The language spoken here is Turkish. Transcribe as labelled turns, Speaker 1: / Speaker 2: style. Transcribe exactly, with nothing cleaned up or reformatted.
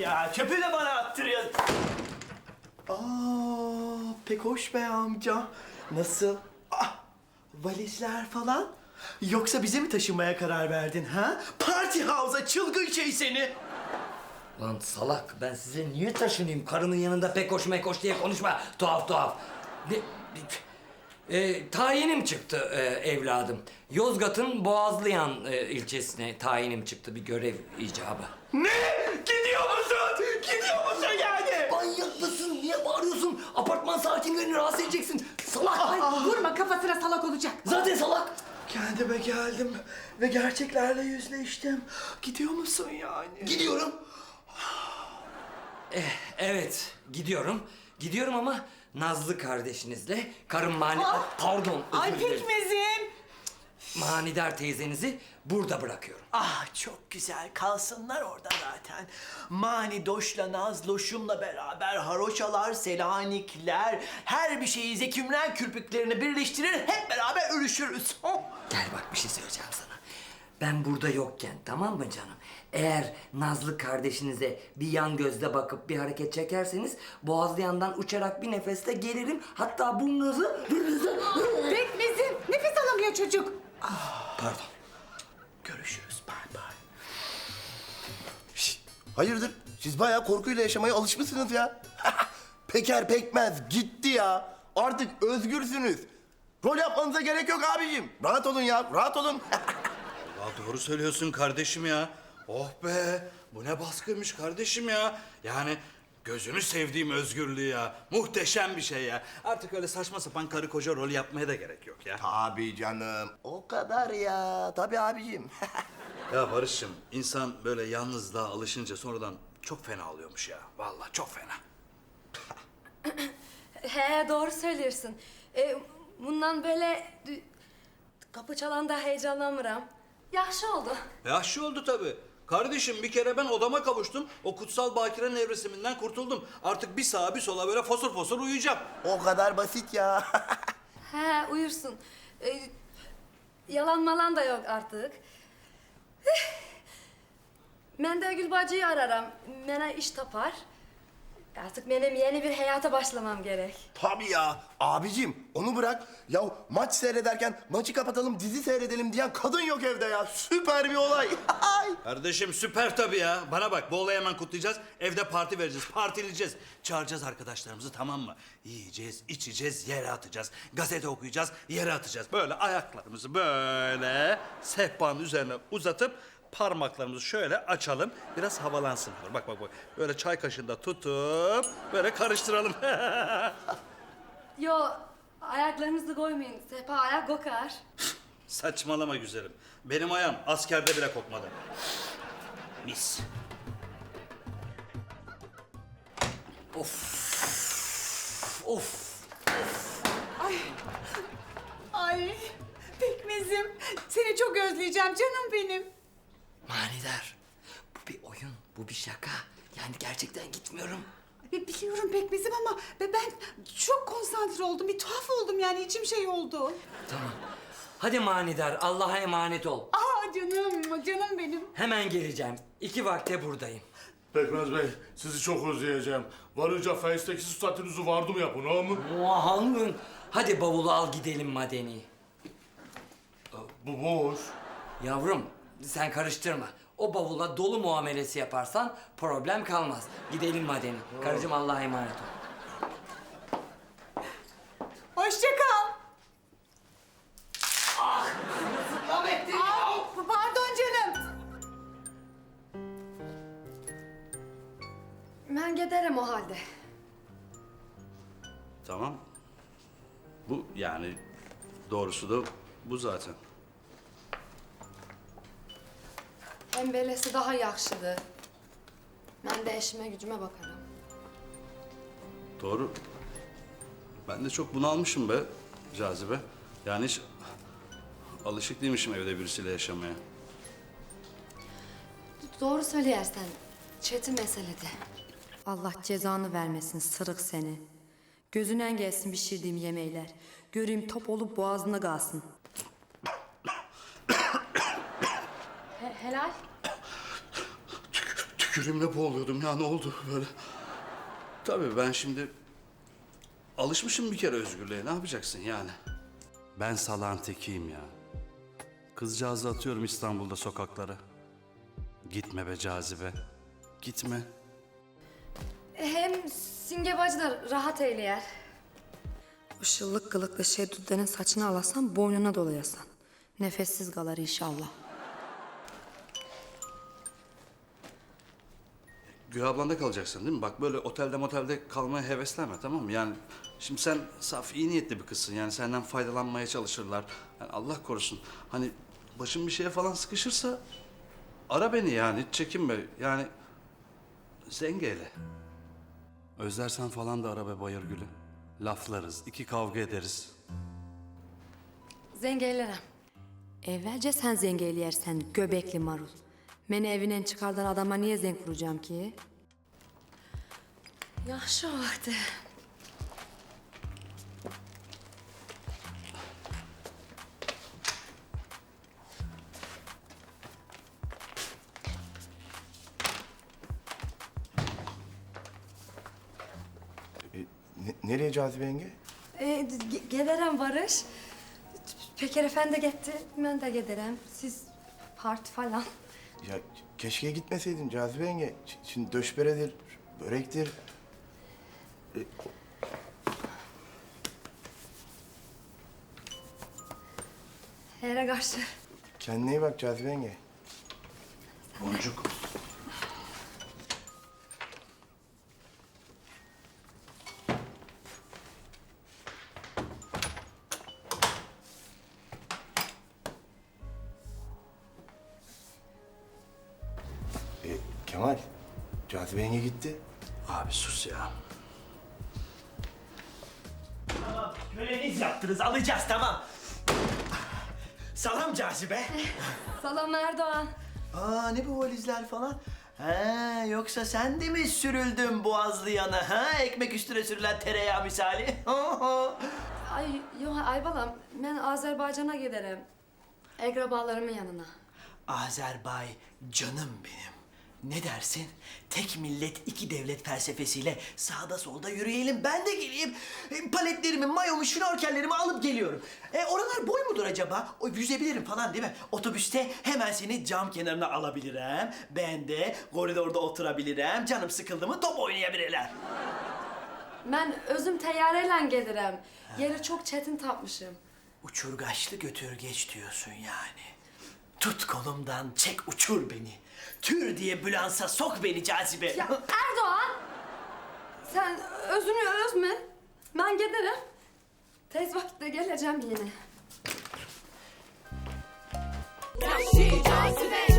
Speaker 1: ya. Çöpü de bana attırıyor. Aa, pek hoş be amca. Nasıl? Ah, valizler falan. Yoksa bize mi taşınmaya karar verdin ha? Party House'a çılgın şey seni.
Speaker 2: Lan salak, ben size niye taşınayım? Karının yanında pek hoş mekoş diye konuşma. Tuhaf tuhaf. Ne, e, tayinim çıktı e, evladım. Yozgat'ın Boğazlıyan e, ilçesine tayinim çıktı, bir görev icabı.
Speaker 1: Ne? Gidiyor musun? Gidiyor musun yani?
Speaker 2: Manyak mısın? Niye bağırıyorsun? Apartman sakinlerini rahatsız edeceksin. Salak!
Speaker 3: Ay vurma, kafasına salak olacak.
Speaker 2: Zaten salak!
Speaker 1: Kendime geldim ve gerçeklerle yüzleştim. Gidiyor musun yani?
Speaker 2: Gidiyorum. Eh, evet, gidiyorum. Gidiyorum ama Nazlı kardeşinizle, karım Mani... Pardon, özür
Speaker 3: Ay
Speaker 2: dilerim.
Speaker 3: pekmezim.
Speaker 2: Manidar teyzenizi burada bırakıyorum.
Speaker 1: Ah çok güzel, kalsınlar orada zaten. Mani Doş'la Nazloş'umla beraber haroşalar, selanikler, her bir şeyi zekümren kürpüklerini birleştirir, hep beraber örüşürüz. Oh.
Speaker 2: Gel bak, bir şey söyleyeceğim sana. Ben burada yokken, tamam mı canım? Eğer Nazlı kardeşinize bir yan gözle bakıp bir hareket çekerseniz... ...Boğazlayan'dan uçarak bir nefeste gelirim. Hatta burnunuzu...
Speaker 3: Pekmezim, nefes alamıyor çocuk.
Speaker 2: Pardon.
Speaker 1: Görüşürüz, bay bay.
Speaker 4: Şişt, hayırdır? Siz bayağı korkuyla yaşamaya alışmışsınız ya. Peker pekmez gitti ya. Artık özgürsünüz. Rol yapmanıza gerek yok abicim. Rahat olun ya, rahat olun.
Speaker 5: Ya doğru söylüyorsun kardeşim ya. Oh be, bu ne baskıymış kardeşim ya. Yani gözünü sevdiğim özgürlüğü ya. Muhteşem bir şey ya. Artık öyle saçma sapan karı koca rol yapmaya da gerek yok ya.
Speaker 4: Tabii canım. O kadar ya. Tabii abicim.
Speaker 5: Ya Barış'cığım, insan böyle yalnızlığa alışınca sonradan çok fena oluyormuş ya. Vallahi çok fena.
Speaker 6: He doğru söylüyorsun. E, bundan böyle dü- kapı çalanda heyecanlanmıram. Yaxşı oldu.
Speaker 5: Yaşlı oldu tabii. Kardeşim bir kere ben odama kavuştum. O kutsal bakire nevresiminden kurtuldum. Artık bir sağa bir sola böyle fosur fosur uyuyacağım.
Speaker 4: O kadar basit ya.
Speaker 6: He uyursun. E, yalan malan da yok artık. Eh. Ben de Gül bacıyı ararım. Bana iş tapar. Artık benim yeni bir hayata başlamam gerek.
Speaker 4: Tabii ya. Abicim onu bırak. Ya maç seyrederken maçı kapatalım dizi seyredelim diyen kadın yok evde ya. Süper bir olay. Ay.
Speaker 5: Kardeşim süper tabii ya. Bana bak, bu olayı hemen kutlayacağız. Evde parti vereceğiz, partileyeceğiz. Çağıracağız arkadaşlarımızı, tamam mı? Yiyeceğiz, içeceğiz, yere atacağız. Gazete okuyacağız, yere atacağız. Böyle ayaklarımızı böyle sehpanın üzerine uzatıp parmaklarımızı şöyle açalım. Biraz havalansın. Bak bak bak. Böyle çay kaşığında tutup böyle karıştıralım.
Speaker 6: Yo ayaklarınızı koymayın. Sehpa ayak kokar.
Speaker 5: Saçmalama güzelim. Benim ayağım askerde bile kokmadı. Mis.
Speaker 2: Of!
Speaker 3: Ay. Ay pekmezim, seni çok özleyeceğim canım benim.
Speaker 2: Manidar, bu bir oyun, bu bir şaka. Yani gerçekten gitmiyorum.
Speaker 3: Ay, biliyorum pekmezim ama be- ben çok konsantre oldum. Bir tuhaf oldum yani, içim şey oldu.
Speaker 2: Tamam. Hadi Manidar, Allah'a emanet ol.
Speaker 3: Aa canım, canım benim.
Speaker 2: Hemen geleceğim. İki vakte buradayım.
Speaker 7: Pekmez Bey, sizi çok özleyeceğim. Varınca Face'teki statünüzü vardım yapın, ha mı?
Speaker 2: Muahangın. Hadi bavulu al gidelim madeni.
Speaker 7: Bu boş.
Speaker 2: Yavrum, sen karıştırma. O bavula dolu muamelesi yaparsan problem kalmaz. Gidelim madeni. Karıcığım Allah'a emanet ol.
Speaker 3: Hoşça kal. Aa, pardon canım.
Speaker 6: Ben giderim o halde.
Speaker 5: Tamam. Bu yani doğrusu da bu zaten.
Speaker 6: Hem böylesi daha yaxşıdır. Ben de eşime gücüme bakarım.
Speaker 5: Doğru. Ben de çok bunalmışım be Cazibe. Yani hiç alışık değilmişim evde birisiyle yaşamaya.
Speaker 6: Doğru söyleyersen. Çetin meselede.
Speaker 8: Allah cezanı vermesin sırık seni. Gözünden gelsin pişirdiğim yemekler. Göreyim top olup boğazına kalsın.
Speaker 6: He- helal.
Speaker 5: tükürüğümle boğuluyordum ya, ne oldu böyle? Tabii ben şimdi alışmışım bir kere özgürlüğe, ne yapacaksın yani? Ben salağın tekiyim ya. Kızcağızı atıyorum İstanbul'da sokaklara. Gitme be Cazibe, gitme.
Speaker 6: Hem Simge bacı da rahat eyleyer.
Speaker 8: O şıllık kılıklı şey düdenin saçını alasan boynuna dolayasan. Nefessiz kalır inşallah.
Speaker 5: Gül ablanda kalacaksın değil mi? Bak böyle otelde motelde kalmaya heveslenme, tamam mı? Yani şimdi sen saf iyi niyetli bir kızsın. Yani senden faydalanmaya çalışırlar. Yani Allah korusun. Hani başın bir şeye falan sıkışırsa ara beni yani, hiç çekinme. Yani Zengeyle. Özlersen falan da ara be Bayırgül'ü. Laflarız, iki kavga ederiz.
Speaker 6: Zengeylerim.
Speaker 8: Evvelce sen zengeyleyersen göbekli marul. Beni evinden çıkardan adama niye zenk vuracağım ki?
Speaker 6: Yaxşı vakti.
Speaker 4: E, ne- nereye Cazibe yenge?
Speaker 6: Ee, ge- gelirim Barış. Peker Efendi gitti, ben de giderim. Siz parti falan.
Speaker 4: Ya keşke gitmeseydin Cazibe yenge. Ş- Şimdi döşberedir, börektir. E,
Speaker 6: Here karşı.
Speaker 4: kendine iyi bak Cazibe yenge.
Speaker 5: Boncuk.
Speaker 4: E, Kemal, Cazibe yenge gitti.
Speaker 5: Abi sus ya.
Speaker 1: Tamam, köleniz yaptınız, alacağız tamam. Salam Cazibe.
Speaker 6: Salam Erdoğan.
Speaker 1: Aa ne bu valizler falan? Ha yoksa sen de mi sürüldün boğazlı yana ha? Ekmek üstüne sürülen tereyağı misali.
Speaker 6: Ay yok Aybalam, ben Azerbaycan'a giderim. Akrabalarımın yanına.
Speaker 1: Azerbay canım benim. Ne dersin? Tek millet iki devlet felsefesiyle sağda solda yürüyelim. Ben de geleyim. E, paletlerimi, mayomu, şnorkellerimi alıp geliyorum. E, oralar boy mudur acaba? O, yüzebilirim falan değil mi? Otobüste hemen seni cam kenarına alabilirim. Ben de koridorda oturabilirim. Canım sıkıldı mı top oynayabilirim.
Speaker 6: Ben özüm teyyareyle gelirim. Yeri çok çetin tapmışım.
Speaker 1: Uçurgaçlı götür geç diyorsun yani. Tut kolumdan çek uçur beni. Tür diye bülansa sok beni Cazibe.
Speaker 6: Ya Erdoğan! Sen özünü özme. Ben giderim. Tez vakitte geleceğim yine.
Speaker 9: Vahşi cazibe